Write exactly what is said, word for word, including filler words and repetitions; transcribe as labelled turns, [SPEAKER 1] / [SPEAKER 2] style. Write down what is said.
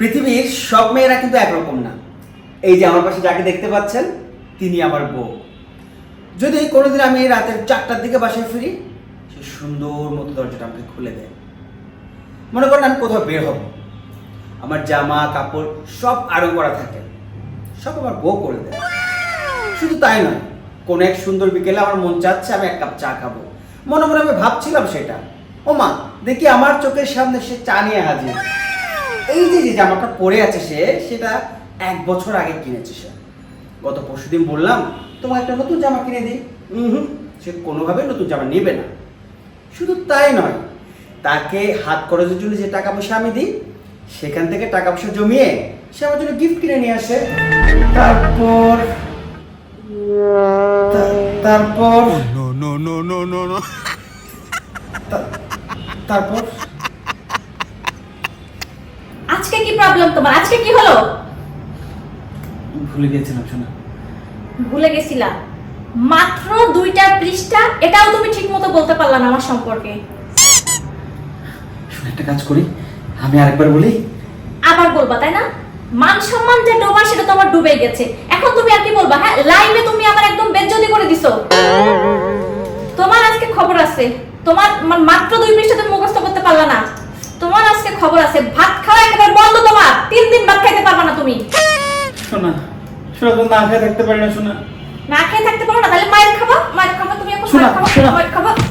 [SPEAKER 1] পৃথিবীর সব মেয়েরা কিন্তু একরকম না। এই যে আমার পাশে যাকে দেখতে পাচ্ছেন তিনি আমার বউ। যদি কোনোদিন আমি রাতের চারটার দিকে বাসায় ফিরি, সে সুন্দর মতো দরজাটা আমাকে খুলে দেয়। মনে করেন আমি কোথাও বের হব, আমার জামা কাপড় সব আরো করা থাকে, সব আমার বউ করে দেয়। শুধু তাই নয়, কোনো এক সুন্দর বিকেলে আমার মন চাচ্ছে আমি এক কাপ চা খাবো, মনে মনে আমি ভাবছিলাম সেটা, ও মা দেখি আমার চোখের সামনে সে চা নিয়ে হাজির। এই যে যে জামাটা পরে আছে সে, সেটা এক বছর আগে কিনেছে সে। গত পরশুদিন বললাম তোমাকে একটা নতুন জামা কিনে দিই, হুম সে কোনোভাবে নতুন জামা নেবে না। শুধু তাই নয়, তাকে হাত খরচের জন্য যে টাকা পয়সা আমি দিই, সেখান থেকে টাকা পয়সা জমিয়ে সে আমার জন্য গিফট কিনে নিয়ে আসে। তারপর তারপর তারপর
[SPEAKER 2] আজকে কি প্রবলেম তোমার? আজকে কি হলো?
[SPEAKER 1] ভুলে গেছিলাম শোনা।
[SPEAKER 2] ভুলে গেছিলা? মাত্র দুইটা পৃষ্ঠা, এটাও তুমি ঠিকমতো বলতে পারলা না আমার সম্পর্কে।
[SPEAKER 1] শোনা, একটা কাজ করি, আমি আরেকবার বলি।
[SPEAKER 2] আবার বলবা তাই না? মান সম্মান যে ডোবা সেটা তোমার ডুবে গেছে। এখন তুমি আর কি বলবা? হ্যাঁ, লাইভে তুমি আমার একদম বেজ্জতি করে দিছো। তোমার আজকে খবর আছে। তোমার মা- মাত্র দুই পৃষ্ঠা তুমি মুখস্থ করতে পারলা না। তোমার আজকে খবর আছে। ভাত খাওয়া একেবারে বন্ধ তোমার। তিন দিন ভাত খাইতে পারবা না তুমি।
[SPEAKER 1] শোনা শোনা, তো না খেয়ে থাকতে পারি না শোনা।
[SPEAKER 2] না খেয়ে থাকতে পারো না, তাহলে মায়ের খাবা। মায়ের খাবা তুমি এখন
[SPEAKER 1] শোনা,
[SPEAKER 2] মায়ের খাবা।
[SPEAKER 1] শোনা।
[SPEAKER 2] মায়ের খাবা।